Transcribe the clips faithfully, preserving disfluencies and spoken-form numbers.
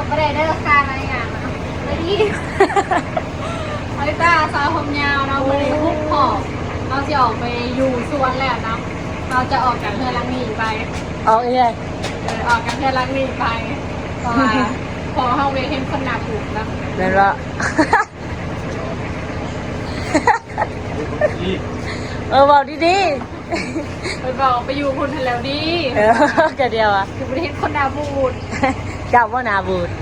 ไม่ได้ได้ราคาอะไรอย่างนะไม่ดีไอ้ตาสาวผมยาวเราไม่ได้คุกขอบเราจะออกไปอยู่สวนแล้วเนาะเราจะออกจากเพื่อนลังนีไปออกเอ้ยออกจากเพื่อนลังนีไปเพราะว่าพอเข้าเวเห็นคนหนาผูกแล้วเดี๋ยวละเออบอกดีๆไปบอกไปอยู่คนแล้วดีเออแค่เดียวอ่ะคือประเทศคนหนาบูดจับว่านาบูด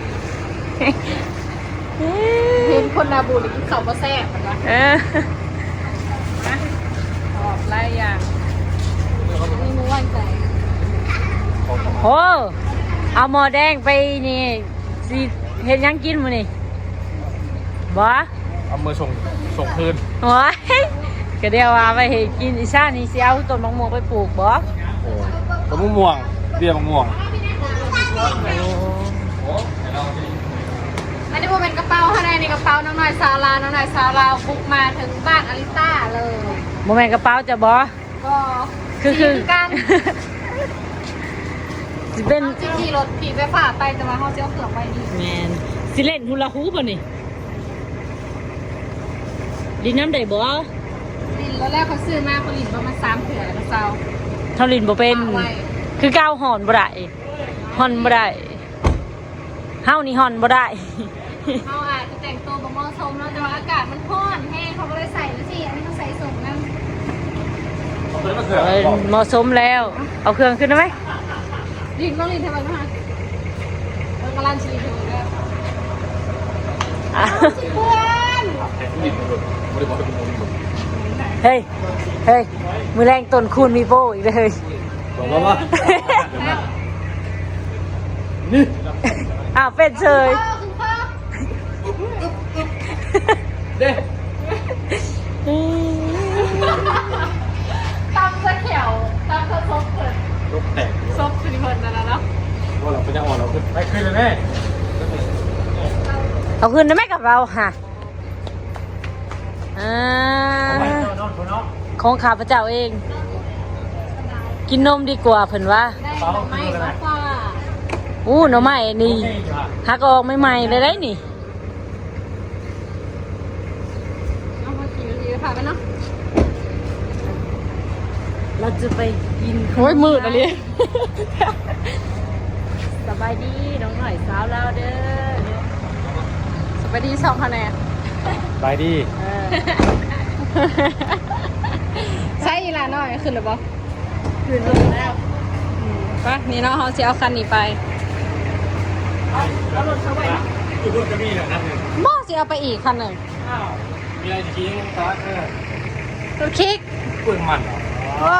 เห็นคนหนาบูดหรือกินข้าวก็แซ่บมันวะนะออกไล่อย่างนี่มึงว่างใจโอ้เอาหม้อแดงไปนี่สิเห็นยังกินมื้อนี่บ่เอามือส่งส่งคืนโอ้ยก็เดียวว่าไปเห็นกินอีซ่านี่สิเอาต้นมะม่วงไปปลูกบ่โอ้ต้นมะม่วงเบี้ยมะม่วงอันนี้เป็นกระเป๋าข้างในในกระเป๋าน้องหน่อยซาลาน้องหน่อยซาลาบุกมาถึงบ้านอลิต้าเลยโมเมนต์กระเป๋าจะบ่ก็คือคือกันสิเป็นจีขี่รถขี่ไปฝ่าไปแต่ว่าเขาเจ้าเขือกไปดีแมนสิเล่นฮูลาฮูปป่ะนี่ดินน้ำได้บ่ลินแล้วแรกเขาซื้อมาผลิตประมาณสามเถื่อแล้วเซาเท่าลินบ่เป็นคือก้าวหอนบ่ได้หอนบ่ได้เฮานี่หอนบ่ได้เขาอาจจะแต่งตัวแบบเหมาะสมแล้วแต่ว่าอากาศมันร้อนแห้งเขาก็เลยใส่แล้วสิอันนี้เขาใส่ส่งนั่นเหมาะสมแล้วเอาเครื่องขึ้นได้ไหมลินต้องลินทำไมนะคะเออกำลังชีวิตแล้วเพื่อนเฮ้ยเฮ้ยมือแรงต้นคูณมีโป้อีกเลยบอกว่าว่านี่อ้าวเป็นเฉยเด้ตำสะเขียวตำสะซบเผินรถแตกซบคือเผินนั่นแล้วเนาะว่าเราเป็นยังอ่อนเราขึ้นไปขึ้นเลยแม่เอาขึ้นได้ไหมกับเราค่ะอ่าของข้าพเจ้าเองกินนมดีกว่าเพิ่นว่าได้หน่อไม้ฟ้าฟ้าอู้หน่อไม้นี่หักออกใหม่ๆเลยได้นี่เอามาขี่ขี่ไปผ่าไปเนาะเราจะไปกินโอ้ยมืดอะไรสบายดีน้องหน่อยสาวเราเด้อสบายดีสองคะแนนสบายดีใช่อีหลาน้อยขึ้นหรือเปล่าขึ้นลงแล้วปะนี่เนาะเขาจะเอาคันนี้ไปแล้วรถเขาไปรถจะมีเหรอครับหม้อจะเอาไปอีกคันหนึ่งอ้าวมีอะไรจะกินยังตาเออรถคิกปืนมันโอ้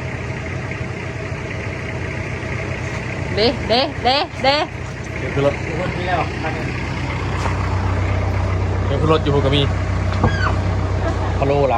เด้เด้เด้เด้เดี๋ยวคือรถรถมีแล้วคันนึงเดี๋ยวคือรถอยู่กับมีพะโล้ไร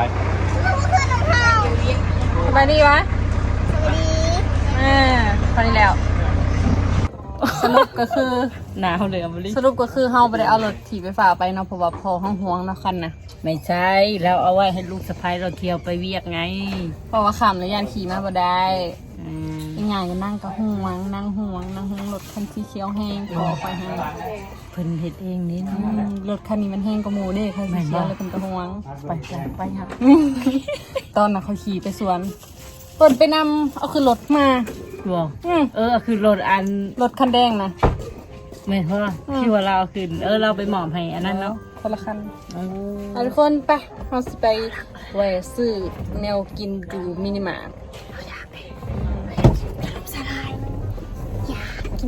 สบายดีวะอ่าพอดีแล้วสรุปก็คือหนาวเลยอ่ะบุรีสรุปก็คือเฮาไปได้เอารถถีบไปฝ่าไปเนาะเพราะว่าพอห้องห่วงเนาะคันนะไม่ใช่แล้วเอาไว้ให้ลูกสะใภ้เราเที่ยวไปเวียกไงเพราะว่าขำแล้วยานขี่มาบ่ได้อีกอย่างก็นั่งก็ห่วงนั่งห่วงนั่งห่วงรถคันสีเขียวแห้งพอไปให้เพิ่นเฮ็ดเองนี่นะรถคันนี้มันแห้งกว่าหมู่เด้คันสีเขียวเลยเป็นกระห่วงไปไปครับตอนน่ะเขาขี่ไปสวนเปิดไปนำเอาคือรถมาบอกเออคือรถอันรถคันแดงนะไม่เพราะที่ว่าเราขึ้นเออเราไปหมอบให้อันนั้นเนาะคนละคันเอาทุกคนไปเราสิไปแหวซื้อแนวกินดูมินิมาร์ทอยากไปลมสลายอยากกิน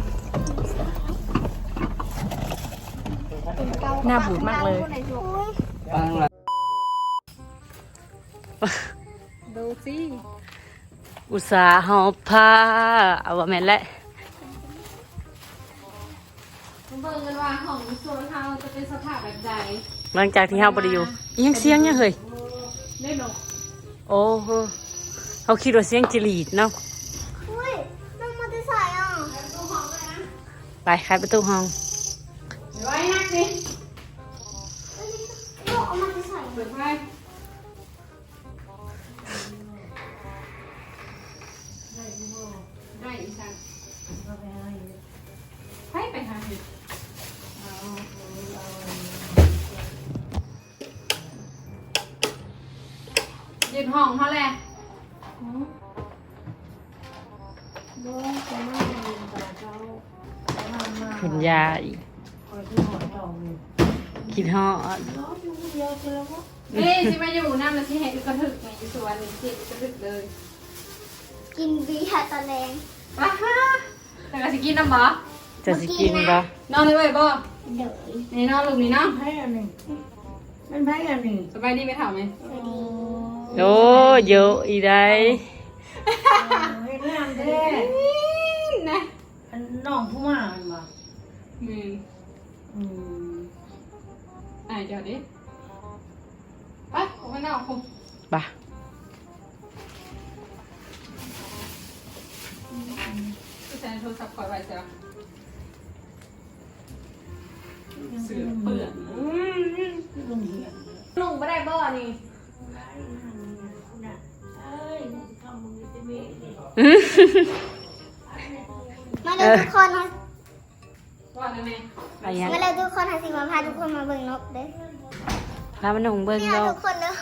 หน้าบูดมากเลยดูสิอุตส่าห์หอบผ้าเอาว่าแม่นแหละเบิ่งกันว่าของโซนเฮาจะเป็นสภาพแบบใดหลังจากที่เฮาบ่ได้อยู่ยังเสียงยังเฮ้ยได้เนาะโอ้โหเฮาคิดว่าเสียงจิรีดเนาะอุ้ยต้องมาที่ใส่อ่ะไปขายประตูห้องไว้นักสิลูกเอามาที่ใส่เปิดไว้ได้อีสันไปไปหาห้องเขาแหละคุณยายคิดฮอดนี่สิมาอยู่น้ำแล้วสิเห็นกระถึกไงอยู่สวนนี่สิกระถึกเลยกินเบียร์ตอนแรงว้าฮ่าแต่ก็สิกินน้ำบ่จะสิกินบ่นอนเลยเว้ยบ่เดี๋ยวนี่นอนลูกนี่เนาะให้อันหนึ่งมันให้อันหนึ่งสบายดีไหมถามไหมโอ้เยอะอีได้ให้งามแท้นะอันน้องผู้มาอันบ่มืออืมอ่ะเดี๋ยวดิไปออกไปนอกคุณบ่ะผู้ชายโทรศัพท์คอยไว้เสียเสือเปื่อนลุงเหียนลุงไม่ได้บ่อนี่เอ้ยทำมึงจะมีมาเลยทุกคนนะบ่อนั่นเองอะไรยังมาเลยทุกคนหาสิมาพาทุกคนมาเบิ่งนกเด้อพามันหนุ่งเบิ่งเนี่ยดอทุกกคนเด้อ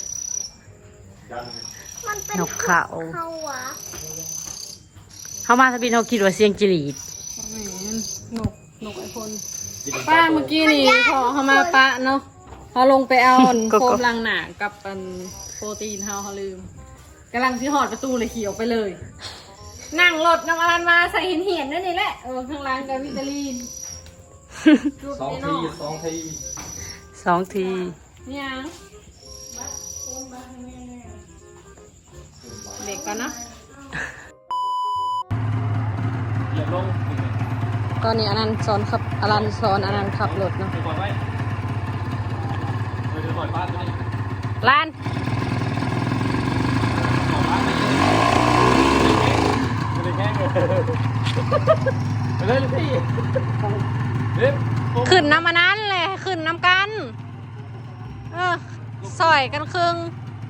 มันเป็นนกเขาเขาหวะเขามาทะบินเขาคิดว่าเสียงจิรีดแหมนกนกไอคนป้าเมื่อกี้นี่พอเขามาปะเนาะเขาลงไปเอาอันโฟมลังหนากับอันโปรตีนเขาเขาลืมกำลังที่หอดประตูเลยขี่ออกไปเลย นั่งรถน้ำมันมาใส่หินเหียนนั่นนี่แหละเออข้างล่างกับวิตาลีนสองทีสองทีสองทีนี่ยังเด็กก่อนเนาะเหยียบลงตอนนี้อนันต์สอนขับอนันต์สอนอนันต์ขับรถเนาะเดี๋ยวปล่อยไว้เดี๋ยวปล่อยบ้านไว้ล้านปล่อยบ้านไปเลยไม่ได้แค่เลยไปเลยลูกพี่เด็บขึ้นน้ำอันนั้นเลยขึ้นน้ำกันเออซอยกันครึ่ง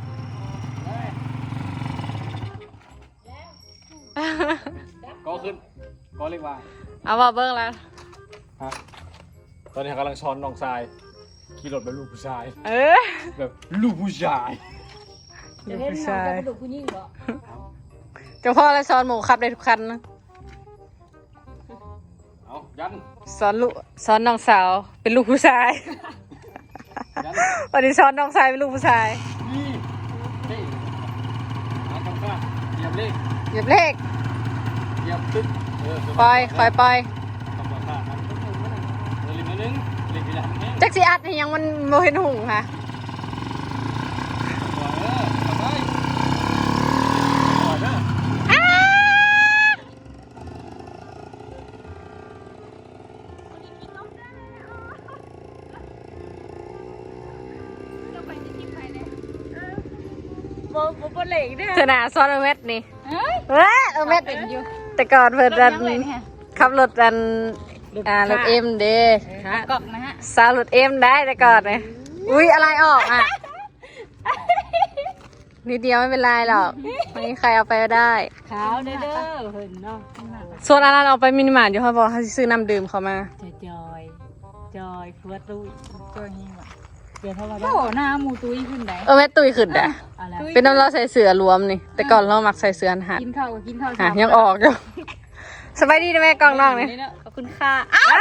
ก็ขึ้นก็เรียกว่าเอาว่าเบิ้งแล้วฮะตอนนี้กำลังช้อนน้องทรายขี่รถแบบลูกผู้ชายเออแบบลูกผู้ชายลูกผู้ชายกระดูกผู้หญิงเหรอเจ้าพ่อและสอนหมูขับได้ทุกคันนะเอายันสอนลูกสอนน้องสาวเป็นลูกผู้ชายยันวันนี้สอนน้องชายเป็นลูกผู้ชายนี่เฮ้ยมาทำข้างเหยียบเลขเหยียบเลขเหยียบตึ๊ดเออปล่อยคอยปล่อยทำข้างๆเออลิมนิดนึงลิมไปแล้วแห้งจักสีอัดนี่ยังมันโมเห็นหุงค่ะปล่อยเออทำไปปล่อยเด้ออ้าเธอหนาซ้อนเอาเม็ดนี่เฮ้ยเว้ยเอาเม็ดเป็นอยู่แต่ก่อนเพิ่นรดัถนยังเลยเนี่ยขับรถดันอ่ารถเอ็มเด้กอกนะฮะสาวรถเอ็มได้แต่ก่อนเลยอุ้ยอะไรออกอ่ะนิดเดียวไม่เป็นไรหรอกไม่มีใครเอาไปก็ได้ขาวเด้อเด้อเห็นเนาะส่วนอันนั้นเอาไปมินิมาร์ทอยู่เขาบอกเขาสิซื้อน้ำดื่มเขามาจอยจอยจอยเพื่อตู้จอยนี่ว่ะเดี๋ยวเท่าไหร่โอ้หน้าหมูตุ้ยขึ้นไหนเออแม่ตุยขึ้นอ่ะอะไรเป็นน้ำเราใส่เสือรวมนี่ แต่ก่อนเรามักใส่เสือหัดกินข้าวกินข้าวหายังออกอยู่สบายดีนะแม่กองน้องนี่ขอบคุณค่ะอ้าว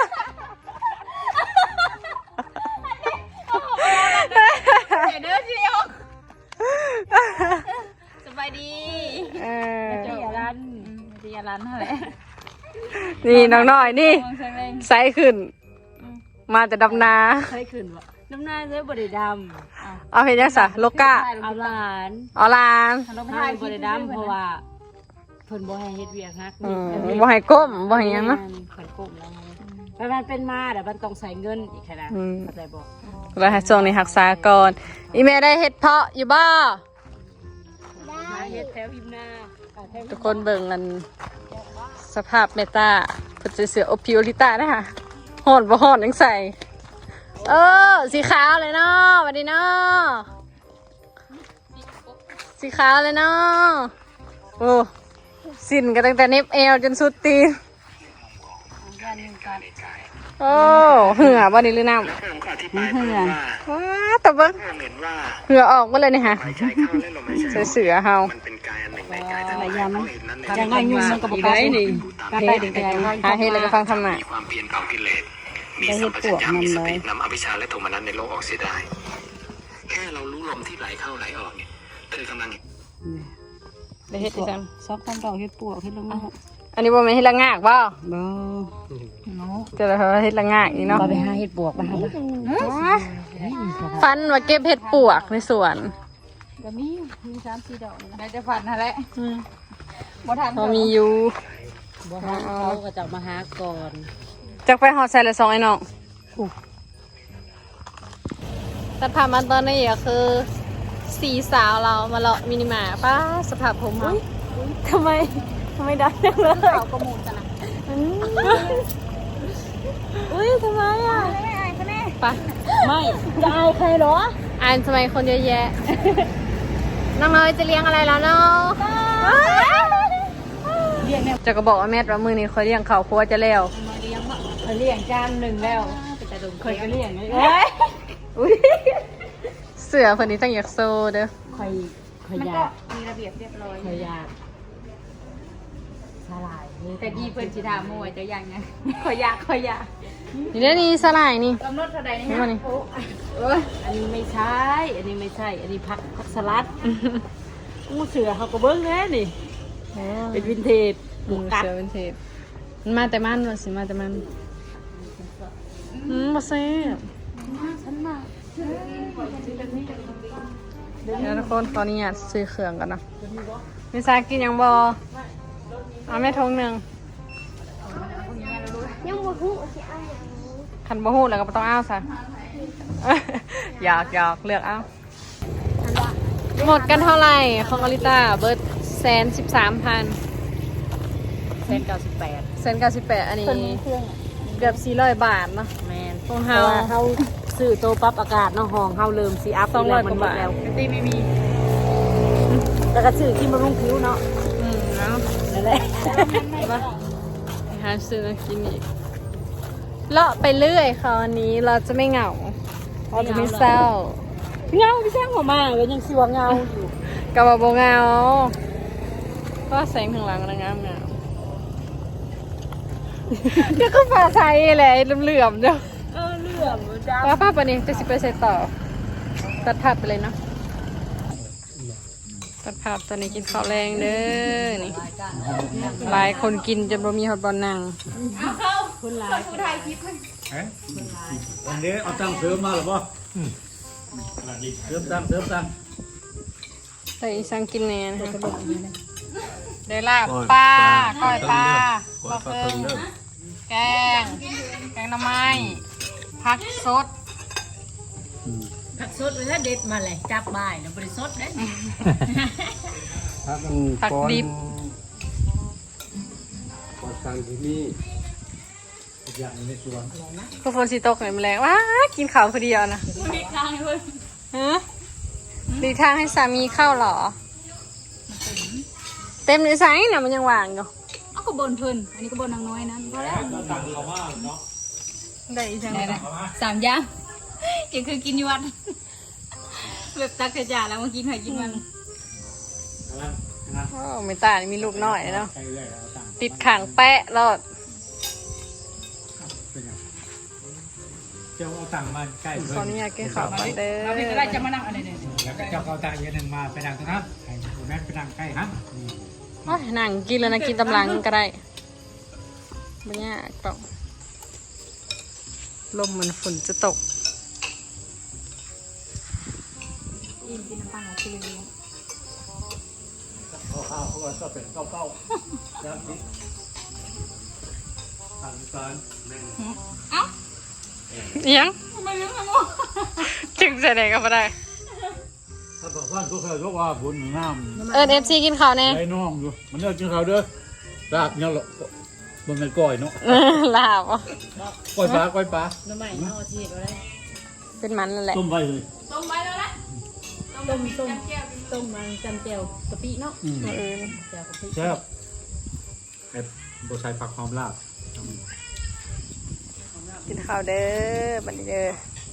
เด้อสิออกสบายดีเออเจียรันเจียรันเท่าไหร่นี่น้องน้อยนี่มองแสงแรงไซส์ขึ้น มาแต่ดำนาเคยขึ้นวะน้ำหน้าเสื้อบริดเอาเพลงยังสะโลก้าำเอาหลานออลานเราไปให้ถ่ายบริดำเพราะว่าเพิ่นบ่ให้เฮ็ดเวียกนักอืมบ่ให้ก้มบ่ให้หยังเนาะเพิ่นก้มแล้วมันมันเป็นมาแต่มันต้องใส่เงินอีกขนาดอืมเข้าใจบ่เราให้ช่วงนี้รักษาก่อนอีเมลได้เฮ็ดเพาะอยู่บ่มาเฮ็ดแถวพิมพ์หน้าอ่าแถวทุกคนเบิ่งกันสภาพเมตาเพิ่นสิเสือโอพิโอลิต้านะคะฮ้อนบ่ฮ้อนยังใส่ เออสีขาวเลยเนาะสวัสดีเนาะสีขาวเลยเนาะโอ้สิ้นกันตั้งแต่เน็บเอวจนสุดตีนได้การยุงกัดโอ้เหือบ่นี่หรือน้ำแล้วผมก็อธิบายเพิ่มว่าว้าแต่เบิ้งผมเห็นว่าเหือออกมาเลยนี่ฮะหายใจเข้าและลมหายใจออกเสือเฮามันเป็นกายอันหนึ่งในกายทั้งหมดยามันเขาเห็นนั้นในยังไงยุงมันก็บอกว่านี่การได้ถึงใจหาเฮ็ดแล้วก็ฟังธรรมะมีความเพียรเผากิเลสมีสัมปชัญญะมีสตินำอภิชาและโทมนัสในโลกออกเสียได้ แค่เรารู้ลมที่ไหลเข้าไหลออกเนี่ยเธอกำลังได้เฮ็ดอีจังซอกความดอกเฮ็ดปวกเฮ็ดลงมาอันนี้บ่แม่นเฮ็ดละงากบ่บ่เนาะจะได้เฮ็ดละงากอีเนาะก็ไปหาเฮ็ดปวกมาครับฟันว่าเก็บเห็ดปวกในสวนก็มีมีสามสี่ดอกนี่นะได้จะฟันนั่นแหละบ่ทันพอมีอยู่บ่ทันเขาก็จะมาหาก่อนจักไปหอดใส่ละสองไอ้น้องตัดผ่านมาตอนนี้ก็คือสี่สาวเรามาเลาะมินิมาร์ทป้าสภาพผมค่ะทำไมทำไมได้จังเลยเขาก็มูกันนะอุ้ยทำไมอ่ะไปไม่จะเอาใครเหรออ่านทำไมคนเยอะแยะ น้องน้อยจะเลี้ยงอะไรแล้วเนาะเลี้ยงเนี่ยจะก็บอกว่าแม่ว่ามือนี้คอยเลี้ยงเขาวครัวจะแล้วมาเลี้ยงบ่เคยเลี้ยงจานหนึ่งแล้วเคยก็เลี้ยงเลยอุ้ยเสือคนนี้ต้องอยากโซเด้อเคยเคยมันยาก็กมีระเบียบเรียบร้อยเคยยากสลายแต่ดีเพื่อนชิดามวยจะยังไงขอยากขอยากนี่เด้อนี่สลายนี่กำหนดเท่าใดนี่นี่ฮะมานี่โอ้ยอันนี้ไม่ใช่ อันนี้ไม่ใช่ อันนี้ผักผักสลัดอู้เสือเขาก็เบิ้งแน่นี่เป็นวินเทจหมูเสือเป็นเทศมันมาแต่มันว่าสิมาแต่มันอืมมาเซ่บเดี๋ยวทุกคนขออนุญาตซื้อเครื่องกันเนาะมิซากินยังบอเอาแม่ทงหนึ่งยังบ่ฮู้สิเอาหยังคันบ่ฮู้แล้วก็บ่ต้องเอาซะ อยากอยากเลือกเอาหมดกันเท่าไหร่ของอลิต้าเบิร์ดแสนสิบสามพันเซนเก้าสิบแปดแสนเก้าสิบแปดอันนี้เครื่องเกือบสี่ร้อยบาทเนาะแมนของเพเฮาราะว่าเขาซื้อโตปรับอากาศเนาะห้องเฮาเริ่มซีอัพสองร้อยมันกว่าหมดบาทแล้วตีไม่มีแล้วก็ซื้อที่มารุงคิ้วเนาะอืมเนาะนั่นแหละไปหาซื้อมากินอีกเลาะไปเรื่อยคราวนี้เราจะไม่เหงาเราจะไม่เศร้าเงาพี่แซงหัวมาก็ยังสิว่าเงาอยู่กับว่าโบเหงาก็แสงข้างหลังนะงามงามเดี๋ยวก็ฟ้าใสแหละเหลื่อมๆเดี๋ยวเออเรื่องจ้าป้าป้าปนี้จะสิบเปอร์เซ็นต์ต่อตัดภาพไปเลยเนาะตัดภาพตอนนี้กินข้าวแรงเด้อนี่หลายคนกินจนบ่มีฮอตบอลนั่งคนหลายเอ๊ะวันนี้เอาตังค์เสริมมาหรือเปล่าเสริมตังค์เสริมตังค์แต่อีสังกินแน่นะคะได้ลาบปลาก้อยปลาบักเอิงแกง แกงหน่อไม้ผักสดผักสดเลยนะเด็ดมาเลยจับบ่ายแล้วบริสดเด้ผักดิบปอดตังค์ที่นี่อย่างในสวนคือฝนสีตกเลยแมลงว้ากินข้าวคนเดียวนะฮะดีทางให้สามีเข้าเหรอ เต็มในไซส์น่ะมันยังว่างอยู่เอาก็บนเพิ่นอันนี้ก็บนนางน้อยนั้นพอแล้วได้อีจังได้สามอย่างยังคือกินอยู่วัดแบบตักกระจาแล้วมากินหอยกินมันโอ้ไม่ตายมีลูกน้อยเนาะใครเรื่อยเอาตังค์ติดขังแปะรอดเป็นยังเจ้าเอาตังค์มาใกล้ขเพิ่ออนุญาตกินข้าวก่อนเด้เราเป็นอะไรจะอมานั่งอะไรเนี่ยแล้วก็เจ้าเอาตังค์อีกหนึ่งมาไปดังตรงนั้นให้แม่ไปดังใกล้ฮันโอ้ยนั่งกินแล้วนะกินตำลังก็ได้ไม่ยากหรอกลมเหมือนฝนจะตกอินกินน้ำปลาหาซื้อเลยข้าวข้าวเขาก็เป็นข้าวเป้าครับนี่ทางการแม่งเอียงทำไมเรื่องอะไรวะจึงใส่ไหนก็ไม่ได้ถ้าบอกว่าก็เคยบอกว่าบุญน้ำเอิญเอฟซีกินข้าวแน่ไอ้น้องอยู่มันเลิกกินข้าวเด้อลาบเนี่ยหรอกมันเป็นก้อยเนาะลาบอ่ะก้อยปลาก้อยปลาน้ำใหม่เอาชีสไว้ได้เป็นมันนั่นแหละต้มไว้เลยต้มไปแล้วนะต้มต้มต้มมันจำเจียวกะปิเนาะอืมเออเจียวกะปิแซ่บไอ้บใส่ผักหอมลาบกินข้าวเด้อบัดนี้เด้อ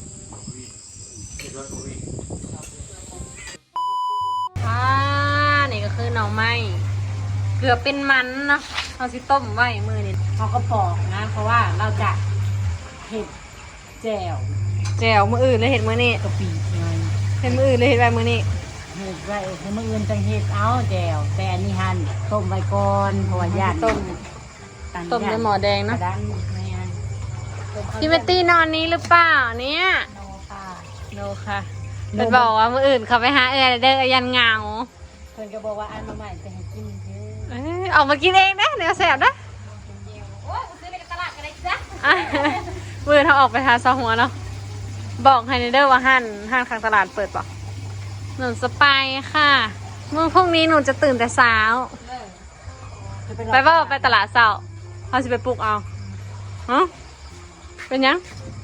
อ่านี่ก็คือหน่อไม้เกือบเป็นมันเนาะเราสิต้มไว้มือนี่เขาก็ปอกนะ เพราะว่าเราจะเห็ดแจ่วแจ่วมืออื่นเลยเห็ดมือนี่กะปิไงเห็ดมืออื่นเลยเห็ดไว้มือนี่เห็ดไว้ให้มื่ออื่นจังเห็ดเอาแจ่วแต่อันนี้หั่นต้มไว้ก่อนเพราะว่าย่านต้มต้มในหม้อแดงกเนาะระดันแม่นต้มข้าวพี่เมตตี้นอนนี้หรือเปล่าเนี่ยโนค่ะโนค่ะเป็นบอกว่ามืออื่นเขาไปหาเออเด้อยันเหงาเพิ่นก็บอกว่าอันมาใหม่จะให้กินเด้อเอ้ยออกมากินเองนะเดี๋ยวแสบนะโอ้ยซื้อในตลาดกันเลยจ้ะอ่ะมือเขาออกไปหาซอหัวเนาะบอกให้เด้อว่าห้านห้านข้างตลาดเปิดป่ะหนูสไปค่ะเมื่อพรุ่งนี้หนูจะตื่นแต่เช้าไปว่าไปตลาดเช้าเขาจะไปปลุกเอาฮะเป็นยัง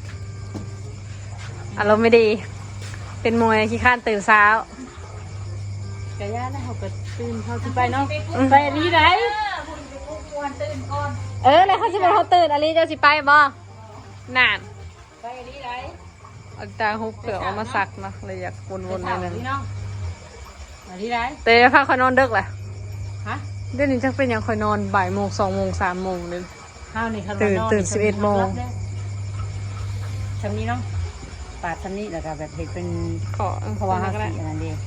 อารมณ์ไม่ดี เป็นมวยขี้ข้านตื่นเช้ากะย่านะเขาก็ตื่นเขาสิไปเนาะไปอันนี้ได้เออแล้วเขาจะเป็นเขาตื่นอันนี้เจ้าสิไปบ่นานไปอันนี้ได้เอาจารย์ฮุบเปลือกเอามาสักเนาะเลยอยากวนๆในนั้นพี่น้องอันนี้ได้เตยพาคอยนอนดึกแหละฮะเดี๋ยวนี้จักเป็นอย่างคอยนอนบ่ายโมงสองโมงสามโมงเลยข้าวนี่คันตื่นว่านตื่นสิบเอ็ดโมงชำนี้เนาะปาดชำนี้แล้วก็แบบเห็ดเป็นขอเพราะว่าห้าก็ได้สีอันนั้นเดี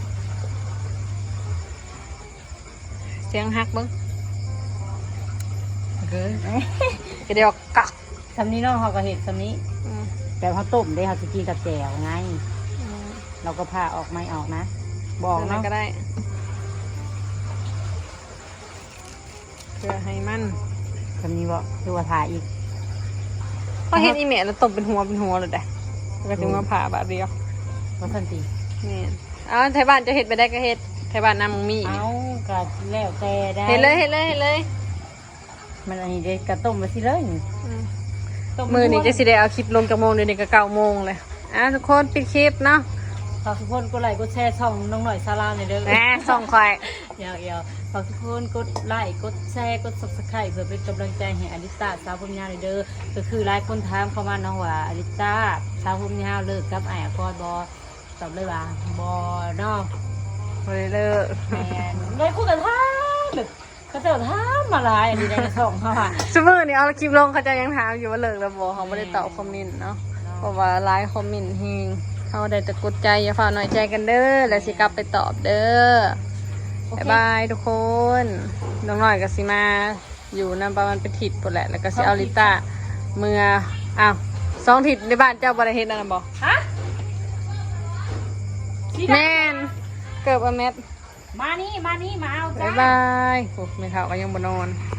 เสียงฮักเบิ้งเกินก็เดี๋ยวกักชำนี้เนาะเขาก็เห็ดชำนี้อืมแต่เขาต้มได้เขาจะกินกับแจ่วไงอืมเราก็ผ่าออกไม่ออกนะ บอกนั่เนาะนก็ได้เพื่อให้มันชำนี้บอกคือว่าผ่าอีกพอเห็นอีเมลแล้วตบเป็นหัวเป็นหัวเลยได้แล้วก็ถึงมาผ่าบาดเดียวว่าสันตินี่เอาไทยบ้านจะเห็ดไปได้ก็เห็ดไทยบ้านน้ำมึงมีเอากระแล้วแต่ได้เห็ดเลยเห็ดเลยเห็ดเลยมันอันนี้ได้กระต้มมาสิเลยอืมต้มือนี้จะสิได้เอาคลิปลงจากโมงเดี๋ยวนี้ก็เก้าโมงเลยอ่ะทุกคนปิดคลิปเนาะฝากทุกคนกดไลค์กดแชร์ช่องน้องหน่อยซาลาหน่อยเด้อแหมส่องคอยเดี๋ยวเดี๋ยวฝากทุกคนกดไลค์กดแชร์กด ซับสไครบ์ เพื่อเป็นกำลังใจให้อลิตาสาวผมยาวหน่อยเด้อก็คือหลายคนถามเข้ามาน้องว่าอลิตาสาวผมยาวเลิกกับไอ้อากอนบอตอบเลยว่าบอเนาะไปเลยเลิกแมนเลยคุยกันท่ามแบบเขาเจะท่ามมาหลายอันนี้ในช่องเขาค่ะสมมตินี่เอาคลิปลงเขาจะยังถามอยู่ว่าเลิกแล้วบอกเขาไม่ได้ตอบคอมเมนต์เนาะเพราะว่าไลฟ์คอมเมนต์เฮงเขาได้แต่กดใจอย่าฝ่าน้อยใจกันเด้อแล้วสิกลับไปตอบเด้อบ๊ายบายทุกคนน้องหน่อยกับสิมาอยู่นำประมาณเป็นถิดปวดแหละแล้วก็สิเอาลิต้าเมื่ออ้าวสองถิดในบ้านเจ้าบริเฮ็ดนั่นนะบอกฮะแม่นเกิดอเม็ดมานี่มานี่มาเอาจ้าบ๊ายบายโอ้ไม่เท่าก็ยังบนนอน